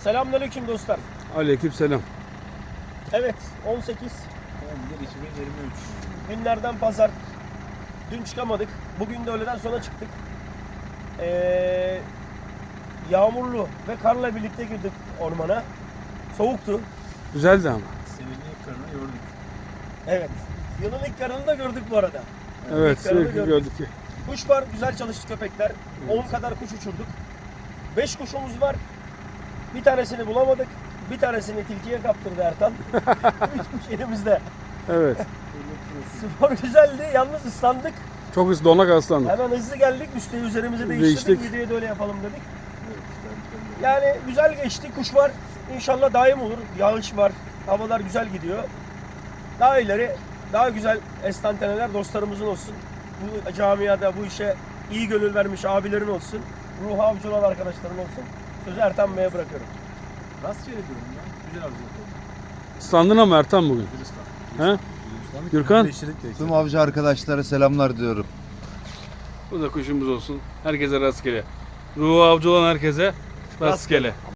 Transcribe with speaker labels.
Speaker 1: Selamünaleyküm dostlar.
Speaker 2: Aleykümselam.
Speaker 1: Evet, 18
Speaker 3: 2023.
Speaker 1: günlerden pazar. Dün çıkamadık. Bugün de öğleden sonra çıktık. Yağmurlu ve karla birlikte girdik ormana. Soğuktu.
Speaker 2: Güzeldi ama.
Speaker 3: Senenin ilk karını gördük.
Speaker 1: Evet. Yılın ilk karını da gördük bu arada.
Speaker 2: Evet,
Speaker 1: İlk karını
Speaker 2: sürekli gördük.
Speaker 1: Kuş var, güzel çalıştı köpekler. 10 kadar kuş uçurduk. 5 kuşumuz var. Bir tanesini bulamadık. Bir tanesini tilkiye kaptırdı Ertan. 3 kuş elimizde.
Speaker 2: Evet.
Speaker 1: Spor güzeldi. Yalnız ıslandık.
Speaker 2: Çok hızlı donak aslandık.
Speaker 1: Hemen hızlı geldik. Üsteği üzerimize değiştirdik.
Speaker 2: Değiştik.
Speaker 1: Videoya da öyle yapalım dedik. Yani güzel geçti. Kuş var. İnşallah daim olur. Yağış var. Havalar güzel gidiyor. Daha ileri, daha güzel estanteneler dostlarımızın olsun. Bu camiada bu işe iyi gönül vermiş abilerin olsun. Ruh avcı olan arkadaşların olsun. Sözü Ertan Bey'e bırakıyorum.
Speaker 3: Rastgele diyorum ya. Güzel avcılık oldu.
Speaker 2: Islandın ama Ertan bugün. He? Gürkan?
Speaker 4: Tüm avcı arkadaşlara selamlar diyorum.
Speaker 2: Bu da kuşumuz olsun. Herkese rastgele. Ruhu avcı olan herkese rastgele.